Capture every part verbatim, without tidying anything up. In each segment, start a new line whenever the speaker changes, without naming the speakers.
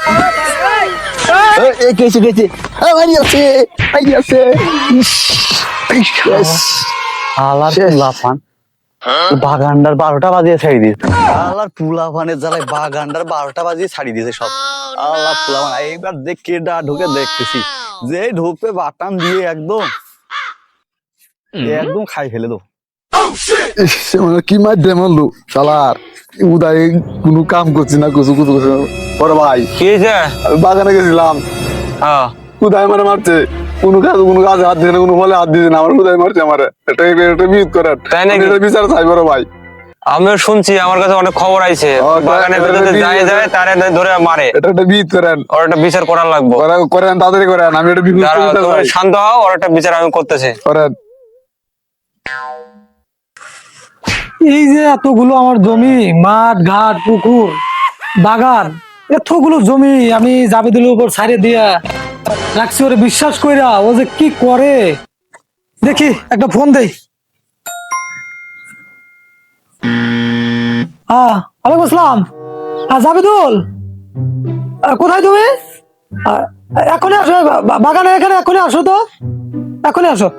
গেছে গেছে আছে আছে বাগানটার বারোটা বাজিয়ে ছাড়ি দিয়েছে। আল্লাহর পুলা ফানের জ্বালায় বাগানটার বারোটা বাজিয়ে ছাড়ি দিয়েছে সব। আল্লাহ পুলা ফান এইবার দেখ কেডা ঢুকে দেখতেছি, যে ঢুকবে বাটান দিয়ে একদম একদম খাই ফেলে দো।
কি মাধ্যমে মারলো শালার, উদয় কোনো কাম করছি না কিছু কিছু কিছু। বড় ভাই
কি হয়েছে?
আমি বাগানে গেছিলাম,
হ্যাঁ
উদয় মানে মারছে, কোনো কাজ কোনো কাজে হাত দিছে না, কোনো ফলে হাত দিছে না, আমার উদয় মারছে আমার। এটা এটা বিরোধ করেন,
তাই নাকি?
এটা বিচার চাই বড় ভাই।
আমিও শুনছি, আমার কাছে অনেক খবর আইছে
ও,
বাগানে
এটা-
ভিতরে
এটা-
যায় যায় তারে ধরে মারে।
এটা একটা বিরোধ করেন,
ওর একটা বিচার করার লাগবে।
করা- করেন তাড়াতাড়ি করেন, আমি এটা বিরোধ
দাঁড়াও,
করতে
তুমি
চাই।
শান্ত হও, ওর একটা বিচার আমি করতেছি।
করেন।
এই যে এতগুলো আমার জমি, মাঠ ঘাট পুকুর বাগান, এতগুলো জমি আমি জাবেদুলের উপর ছাড়ে দিয়া রাখছি, ওরে বিশ্বাস কইরা ও যে কি করে। দেখি একটা ফোন দেই। হ্যাঁ ওয়ালাইকুম আসসালাম। হ্যাঁ জাবেদুল, আহ, কোথায় তুমি? আহ, এখনই আসো, বা- বাগানে এখানে এখনই আসো তো, এখনই আসো।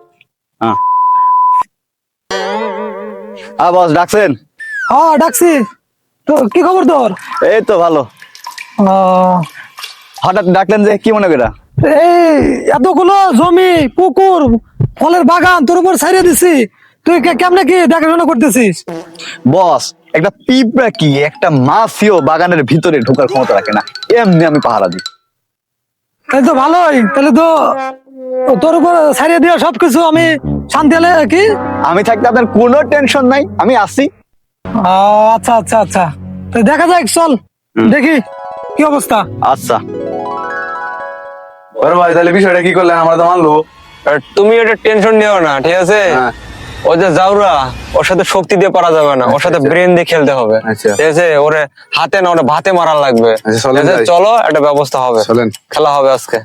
হ্যাঁ বস ডাকছেন?
হ্যাঁ ডাকছি। তো কি খবর তোর?
এই তো ভালো।
আহ,
হঠাৎ ডাকলেন যে, কি মনে করা?
এই এতগুলো জমি পুকুর ফলের বাগান তোর উপর ছাড়িয়ে দিছি, তুই কে- কেমনে কি দেখাশোনা করতেছিস?
বস একটা পিঁপড়া কি একটা মাছিও বাগানের ভিতরে ঢোকার ক্ষমতা রাখে না, এমনি আমি পাহারা দিই।
তাহলে তো ভালোই, তাহলে তো তোর উপর ছাড়িয়ে দিয়ে সবকিছু আমি শান্তি হলে কি।
আমি থাকতে আপনার কোনো টেনশন নাই, আমি আসি।
আহ, আচ্ছা আচ্ছা আচ্ছা, তো দেখা যাক, চল দেখি কি অবস্থা।
আচ্ছা
বড় ভাই তাহলে বিষয়টা কি করলেন, আমার তো মানলো।
আর তুমি এটা টেনশন নিও না, ঠিক আছে?
হ্যাঁ।
ও যে জাউরা, ওর সাথে শক্তি দিয়ে পারা যাবে না, ওর সাথে ব্রেন দিয়ে খেলতে হবে,
আচ্ছা।
ঠিক আছে? ওরে হাতে না, ওরে ভাতে মারার লাগবে।
আচ্ছা, চলেন
ঠিক আছে?
যাই।
চলো, একটা ব্যবস্থা হবে,
চলেন।
খেলা হবে আজকে।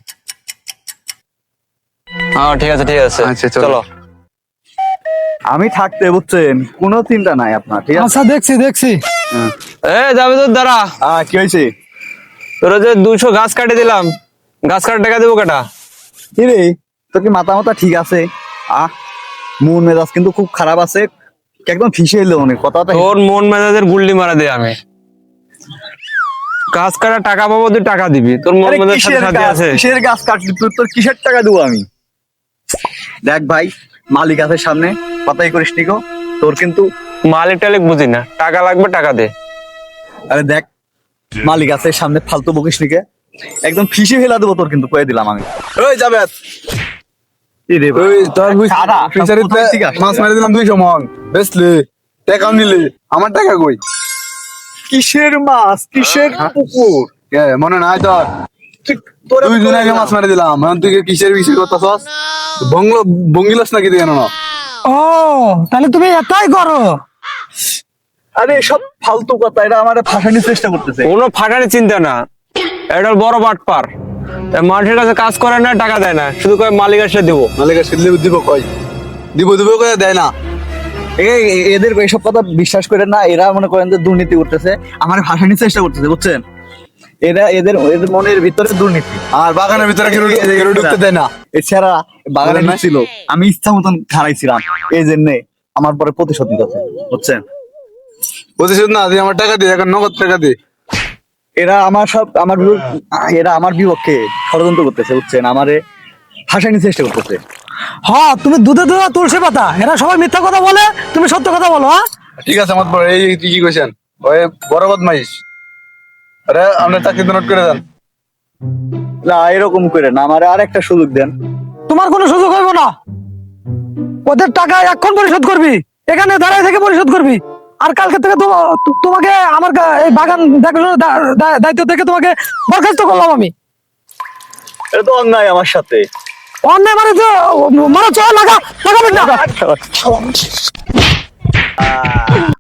হ্যাঁ ঠিক আছে ঠিক আছে,
আচ্ছা, চলো।
চলো।
আমি থাকতে বুঝছেন, কোনো চিন্তা নাই আপনার, ঠিক আছে?
আচ্ছা দেখছি দেখছি।
এ যাবে তোর দ্বারা,
আহ কি হয়েছে?
তোরা যে দুইশো গাছ কাটে দিলাম, গাছ কাটার টাকা দেবো কেটা?
কি রে, তোর কি মাথা মাথা ঠিক আছে? আহ মন মেজাজ কিন্তু খুব খারাপ আছে, একদম ফিসে এলো অনেক কথা।
তোর মন মেজাজের গুল্লি মারা দে আমি। গাছ কাটার টাকা পাবো, তুই টাকা দিবি, তোর মন মেজাজের সাথে সাথে আছে।
কিসের গাছ কাটলি তুই? তোর কিসের টাকা দেবো আমি? দেখ ভাই, মালিক আছে সামনে, পাতাই করিস নিকো, তোর কিন্তু।
মালিক টালিক বুঝি না, টাকা লাগবে টাকা দে।
আরে দেখ, মালিক আছে সামনে, ফালতু বকিস নিকে, একদম ফিসে ফেলা দেবো তোর, কিন্তু কয়ে দিলাম আমি।
ওই যাবে
কি রে ভাই?
ওই তোর
সারা,
ফিশারিতে
কোথায় থেকে আসলো?
মাছ মেরে দিলাম দুইশো মন, বেচলে টাকাও নিলে, আমার টাকা কই?
কিসের মাছ, কিসের পুকুর?
কে মনে নাই তোর?
তোর
দুই দিন আগে মাছ মেরে দিলাম, এখন তুই কিসের কিসের কথা সস বংলো বঙ্গিলস নাকি দিয়ে না?
ও তাহলে তুমি এটাই করো?
আরে সব ফালতু কথা, এটা আমার ফাঁসানোর চেষ্টা করতেছে।
কোনো ফাটানি চিন্তা না, এটা বড় বাটপার। মানুষের কাছে কাজ করে না, টাকা দেয় না, শুধু কয় মালিক আসলে দিব।
মালিকের সিদ্ধি দিব কই? দিব দিব কই দেয় না।
এ- এ- এদের এইসব কথা বিশ্বাস করেন না, এরা মনে করেন যে দুর্নীতি করতেছে, আমার ফাঁসানোর চেষ্টা করতেছে, বুঝছেন? এরা এদের এদের মনের ভিতরে দুর্নীতি।
আর বাগানের ভিতরে কেউ কেউ ঢুকতে দেয় না।
এছাড়া বাগানে
বলেন না?
ছিল, আমি ইচ্ছা মতন খারাইছিলাম, এই জন্যে আমার পরে প্রতিশোধ নিতেছে, বুঝছেন?
প্রতিশোধ না দিয়ে আমার টাকা দিয়ে, এখন নগদ টাকা দিয়ে।
এরা আমার সব আমার বিরু- এরা আমার বিপক্ষে ষড়যন্ত্র করতেছে, বুঝছেন? আমারে ফাঁসানোর চেষ্টা করতেছে।
হ্যাঁ তুমি দুধে দুধে তুলসী পাতা, এরা সবাই মিথ্যা কথা বলে, তুমি সত্য কথা বলো। হ্যাঁ
ঠিক আছে আমার বড়, এই তুই কি কইছেন? ওই বড় বদমাইশ। আরে আমরা চাকরি নোট করে দেন।
না এরকম করে না, আমারে আর একটা সুযোগ দেন।
তোমার কোনো সুযোগ হইব না, ওদের টাকা এখন পরিশোধ করবি, এখানে দাঁড়ায় থেকে পরিশোধ করবি। আর কালকে থেকে তো- তো- তোমাকে আমার গা- এই বাগান দেখাশোনার দা- দা- দায়িত্ব থেকে তোমাকে বরখাস্ত করলাম আমি।
এটা তো অন্যায় আমার সাথে।
অন্যায় মানে তো মানে চল লাগা লাগাবেন না।
আহ